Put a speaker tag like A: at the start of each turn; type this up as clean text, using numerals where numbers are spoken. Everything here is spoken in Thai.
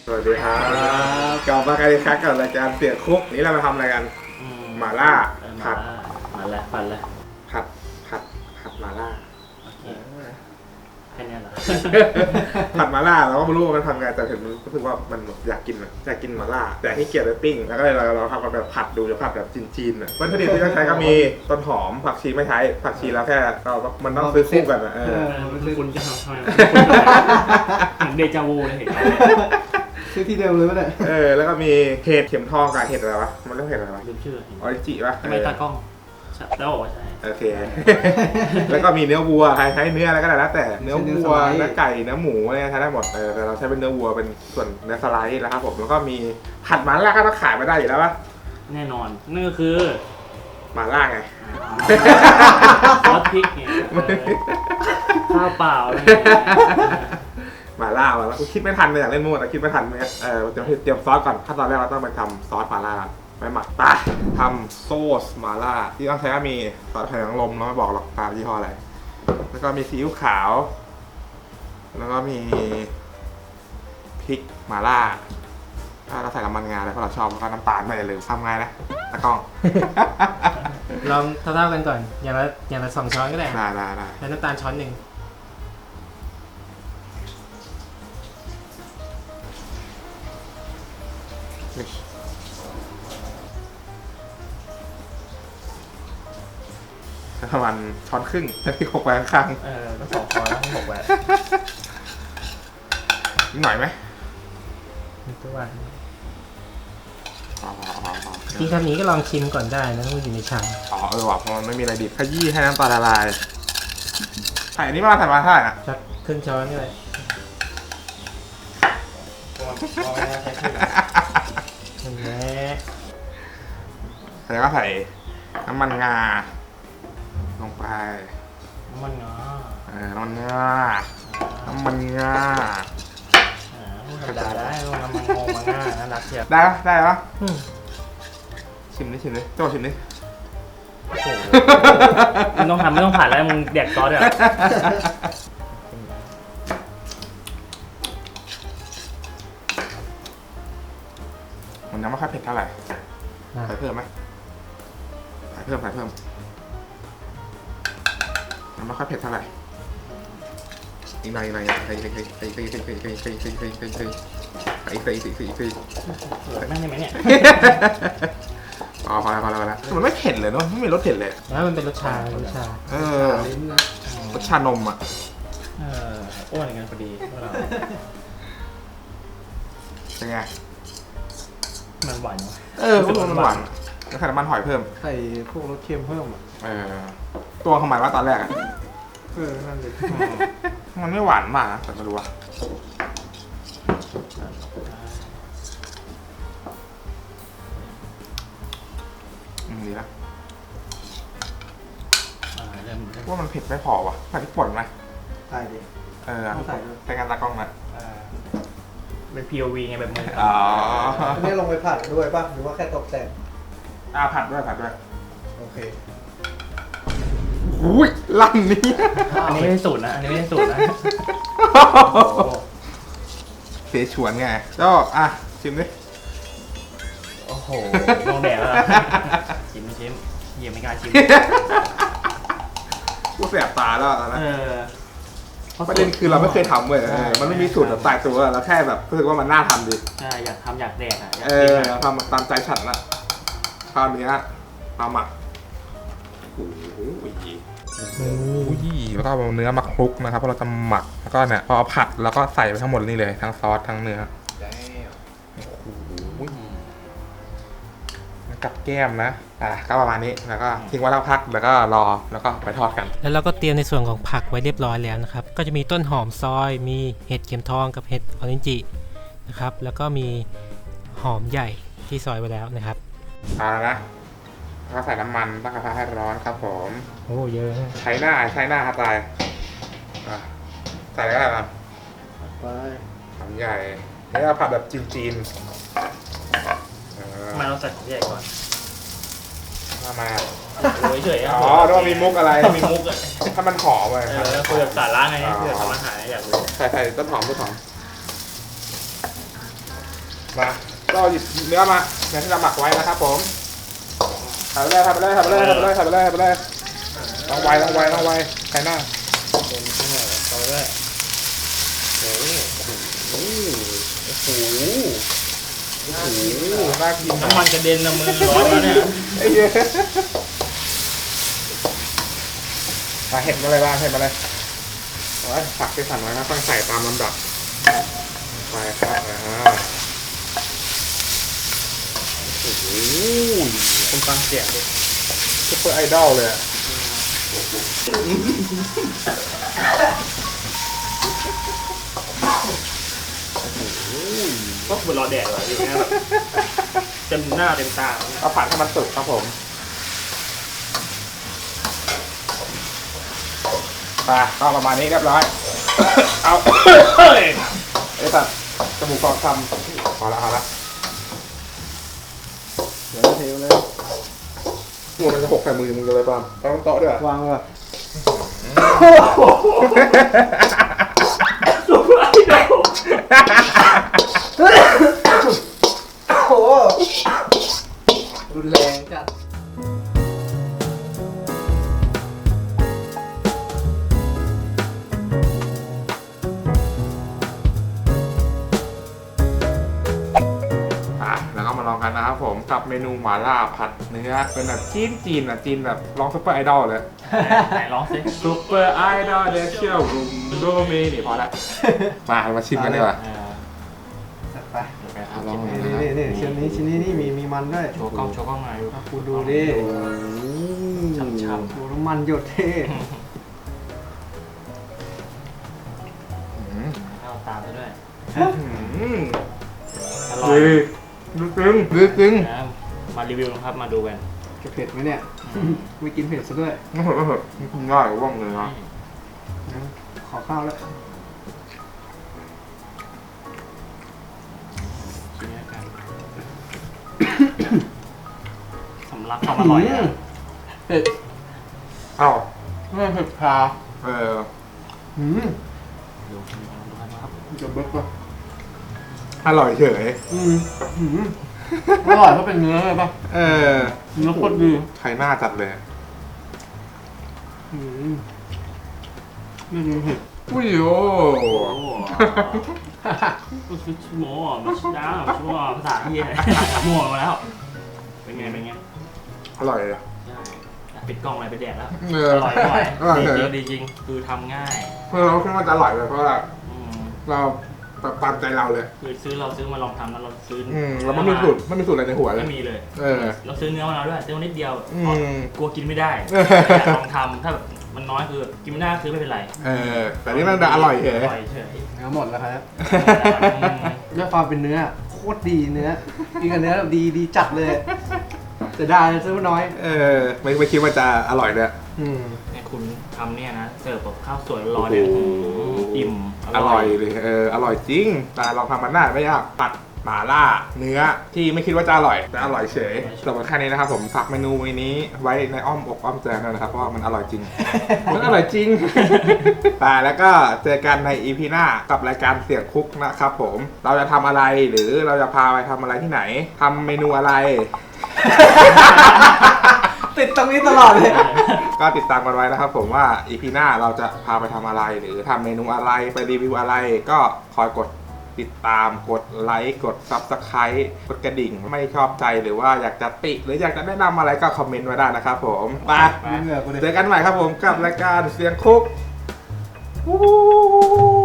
A: สวัสดีครับกลับมากันอีกครั้งกับรายการเสียคุกนี้เรามาทำอะไรกันหม่าล่าผัด
B: มาแล้วผัดแล้ว
A: ผัดหม่าล่า
B: โอเคแค่นี้เหรอ
A: ผัดหม่าล่าเราก็ไม่รู้ว่ามันทำไงแต่เห็นมันรู้สึกว่ามันอยากกินหม่าล่าแต่ให้เกียรติปิ้งแล้วก็เลยเราทำกันแบบผัดดูจะผัดแบบจีนๆวัตถุดิบที่ต้องใช้ก็มีต้นหอมผักชีไม่ใช้ผักชีแล้วแค่มันต้องซื้อคู่กันนะ
B: คุณจะทำไมเหมือนเดจาวูเลยเห็นไหม
C: ชื่อที่เดิมเลยป่ะเนี่ย
A: แล้วก็มีเห็ดเข็มทองกับเห็ดอะไรวะมันเรียกเห็ดอะไรวะ
B: ลืมชื่อ
A: ออริจิป่ะ
B: ไม่ตากล้องแล้วบอกว่าใช่
A: โอเคแล้วก็มีเนื้อวัวใช้เนื้ออะไรก็ได้แล้วแต่เนื้อวัวเนื้อไก่เนื้อหมูอะไรใช้ได้หมดแต่เราใช้เป็นเนื้อวัวเป็นส่วนเนื้อสไลด์แล้วครับผมแล้วก็มีผัดหม่าล่าก็ต้องขายไม่ได้อยู่แล้วป่ะ
B: แน่นอนนั่นก็คือ
A: หม่าล่าไง
B: ซอสพริกไงข้าวเปล่า
A: หม่าล่าแล้วกูคิดไม่ทันเลยอยากเล่นมั่วแต่คิดไม่ทันเนี่ยเตรียมซอสก่อนขั้นตอนแรกเราต้องไปทำซอสหม่าล่าไปหมักปลาทำโซสหม่าล่าที่ต้องใช้ก็มีซอสหอยนางรมเราไม่บอกหรอกตามยี่ห้ออะไรแล้วก็มีซีอิ๊วขาวแล้วก็มีพริกหม่าล่าเราใส่น้ำมันงาเลยเพราะเราชอบแล้วก็น้ำตาลไม่ลืมทำไงนะตะกล้อง
C: ลองเท่าๆกันก่อนอย่างละ2 ช้อนก็ได้
A: ได้
C: แล้วน้ำตาลช้อนหนึ่ง
A: ประมาณช้อนครึ่งที่หกไปข้าง
B: ต้อง2 ช้อนแล้วให้6แหวน
A: นิดหน่อยไหม
C: ตัวจริงคำนี้ก็ลองชิมก่อนได้นะมันอยู่ในชาม
A: ว่ะเพราะมันไม่มีอะไรดิบขยี้ให้น้ำปลาละลายใส่อันนี้มาใส่มาเท่าไหร่อ่ะ
C: สักครึ่งช้อนก็ได้นั่นแหละ
A: แล้วก็ใส่น้ำมันงาลงไป
B: น้ำมันงา
A: น้ำมันงา
B: ธรรมดาได้น้ำมันงงมาง่าน่ารักเชียว
A: ได้ปะชิมดิโจ้ชิมดิ
B: โอ้โหมึงต้องทำไม่ต้องผ่านแล้วมึงแดกซอสเลย
A: มันยังไม่ค่อยเผ็ดเท่าไหร่ใส่เพิ่มไหมใส่เพิ่มยังไม่ค่อยเผ็ดเท่าไหร่อีกหน่อยใส่
B: นั่งได้ไหมเนี่ย
A: พอแล้วมันไม่เผ็ดเลยเนาะไม่มีรสเผ็ดเลย
C: แล้วมันเป็นรสชาร
A: สชานมอ่ะ
B: อ้วนกันพอดีพวกเรา
A: เป็นไง
B: มันหวาน
A: พวกมันหวานแล้วใส่น้ำมันหอยเพิ่ม
C: ใส่พวกรสเค็มเพิ่ม
A: ตัวเขาหมายว่าตอนแรกอ่ะ
C: นั่นเลย
A: มันไม่หวานมากนะแต่ไม่รู้ว่าดีนะว่ามันเผ็ดไม่พอวะใส่พริกป่นไหม
C: ใส่ดิ
A: ใส่งานตากล้องนะ
B: เป็น POV ไงแบบมือ
C: อันนี้ลงไปผัดด้วยป่ะหรือว่าแค่ตกแต่ง
A: ผัดด้วย
C: โอเค
A: อุ้ยลั่นนี้
B: อันนี้ไม่ใช่สูตรนะ
A: เสฉวนไงก็ชิมดิ
B: โอ้โหลองแดกแล้วชิมเยี่ยมไม่กล้าชิม
A: กูแสบตาแล้วนะประเด็นคือเราไม่เคยทำเว้ยมันไม่มีสูตรแบบตายตัวเราแค่แบบรู้สึกว่ามันน่าทำดิ
B: ใช่อยากทำอยากแดก
A: ทำตามใจฉันละคราวนี้มาหมักโอ้ยแล้วก็เอาเนื้อมาคลุกนะครับเพราะเราจะหมักแล้วก็เนี่ยพอผัดแล้วก็ใส่ไปทั้งหมดนี่เลยทั้งซอสทั้งเนื้อกับแก้มนะก็ประมาณนี้แล้วก็ทิ้งไว้แล้วพักแล้วก็รอแล้วก็ไปทอดกัน
C: แล้วเราก็เตรียมในส่วนของผักไว้เรียบร้อยแล้วนะครับก็จะมีต้นหอมซอยมีเห็ดเข็มทองกับเห็ดออรินจินะครับแล้วก็มีหอมใหญ่ที่ซอยไว้แล้วนะครับ
A: นะก็ใส่น้ำมันตั้งกระทะให้ร้อนครับผม
C: โอ้เยอะ
A: ใช้หน้าครับตายใส่อะไรบ้าง
C: ไป
A: หอมใหญ่แล้วก็ผัดแบบจีน
B: มาเราใส่หอมใหญ่ก่อน
A: มา
B: โอ้ยเฉย
A: ต้องมีมุกอะไร
B: มีมุกอ่ะ
A: ถ้ามันหอมเลย
B: คุยกับสาระไงคุยกับทำอาหารอยากรู้
A: ใส่ต้นหอมมาก็หยิบเนื้อมาเนื้อที่เราหมักไว้นะครับผมทำไปเลยทำไปเลยทำไปเลยทำไปเลยทำไปเลยทำไปเลยต้องไวต้องไวต้องไวใครหน้า
B: เป็นข้างหน้าต่อด้วยโอ้โหโอ้โห
A: โอ้โหน่ากิน
B: น้ำมันกระเด็นนะมือร้อนแล้วเนี่ย
A: ไอ้เหี้ยมาเห็ดมาเลยบ้างเห็ดมาเลยเอาไว้ผักที่สั่งไว้นะต้องใส่ตามลำดับไปครับ
B: โอ้โหคนฟังเสียงดิ
A: ซุปเปอร์ไอดอลเลยอะ
B: ก็เหมือนรอแดดเลยอยู่เนี่ยแบบเต็มหน้าเต็มตา
A: เอาผัดให้มันสุกครับผมไปก็ประมาณนี้เรียบร้อย เอาไอ้สัตว์จมูกฟองคำพอละพอละเดี๋ยวเทเลยหัวมันจะหกใส่มือมึงเลยป่ะต้องโต๊ะด้วย
C: วางแบบ
B: สุดไอดอล
C: โอ้รุนแรงจัด
A: แล้วก็มาลองกันนะครับผมกับเมนูหม่าล่าผัดเนื้อเป็นแบบจีนอ่ะจีนแบบลองซุปเปอร์ไอดอลเลย
B: ไหนร้องสิ
A: ซุปเปอร์ไอดอลเดเชียลรูมโดเมนี่พอละมาชิมกันดีกว่า
C: จัดไป
A: ลอง
C: นี่ชิ้นนี้นี่มีมันด้วย
B: โชว์กล้องหน่อยดู
C: คุณดูดิ
B: ช้ำ
C: ดูน้ำมันหยดเท่
B: ๆเอาตามไปด้วยอร่อย
A: ลึกซึ้ง
B: นะมารีวิวนะครับมาดูกัน
C: จะเผ็ดไหมเนี่ย ไม่กินเผ็ดซะด้วย
A: ง่ายว่องเลยนะ
C: ขอข้าวแล้ว
B: ชิมแล้วกันสำลักความอร่อยนะ
C: เผ็ด
A: อ้าว
C: ไม่เผ็ดพา
A: เออ
B: ดูครับ
C: จะเบิกป่ะ
A: อร่อยเฉย
C: อร่อยเพราะเป็นเนื้อเลยป่ะ
A: เออ
C: เนื้อโคตรดี
A: ใครหน้าจัดเลย
C: ไม่กินเผ็ด
A: อุ้ยโอ้
B: ก็คือชั่วโมงไม่ใช่ดาวชั่วโมงภาษาที่มั่วมาแล้วเป็นไง
A: อร่อยเลย
B: ใช่ปิดกล้องอะไรไปแดกแล้ว
A: เอ
B: อ
A: อ
B: ร่อย
A: อร่อย
B: ดี
A: เฉ
B: จริ
A: ย
B: งดีจริงคือทำง่าย
A: เราคิดว่าจะอร่อยเลยเพราะว่า
B: อืม
A: เราแบบตามใจเราเลย
B: คือเราซื้อมาลองทำแล้วเราซื้อ
A: เราไม่มีสูตรอะไรในหัวเลย
B: ไม่มีเลย
A: เออ
B: เราซื้อเนื้อมาแล้วด้วยซื้อมานิดเดียว
A: อืม
B: กลัวกินไม่ได้อยากลองทำถ้าแบบมันน้อยคือกินไม่ได้คือไม่เป็นไร
A: เออ แต่นี่มันอร่อยเฉย
B: อร่อยเฉย
C: เนื้อหมดแล้วครับ
B: อืม
C: ด้วยความเป็นเนื้อโคตรดีเนื้อกินกับเนื้อแบบดีจัดเลยจะได้ซื้อน้อย
A: เออไม่คิดว่าจะอร่อยเลย
B: เนี่ยคุณทำเนี่ยนะเสิร์ฟกับข้าวสวยร้อนๆเนี่ยอิ่ม
A: อร่อยเลยอร่อยจริงแต่ลองทำมันได้ไม่ยากผัดหม่าล่าเนื้อที่ไม่คิดว่าจะอร่อยแต่อร่อยเฉยสำหรับแค่นี้นะครับผมฝากเมนูนี้ไว้ในอ้อมอกอ้อมใจด้วยนะครับเพราะว่ามันอร่อยจริง มันอร่อยจริง แต่แล้วก็เจอกันใน EP หน้ากับรายการเสียงคุกนะครับผมเราจะทำอะไรหรือเราจะพาไปทำอะไรที่ไหนทำเมนูอะไร
C: ติดตรงนี้ตลอดเลย
A: ก็ติดตามกันไว้นะครับผมว่า EP หน้าเราจะพาไปทำอะไรหรือทำเมนูอะไรไปรีวิวอะไร ก็คอยกดติดตามกดไลค์กด Subscribe กดกระดิ่งไม่ชอบใจหรือว่าอยากจะติหรืออยากจะแนะนำอะไรก็คอมเมนต์ไว้ได้นะครับผมไป
C: เหงื่อกูเลย
A: เจอกันใหม่ครับผมกับรายการเสียงคุก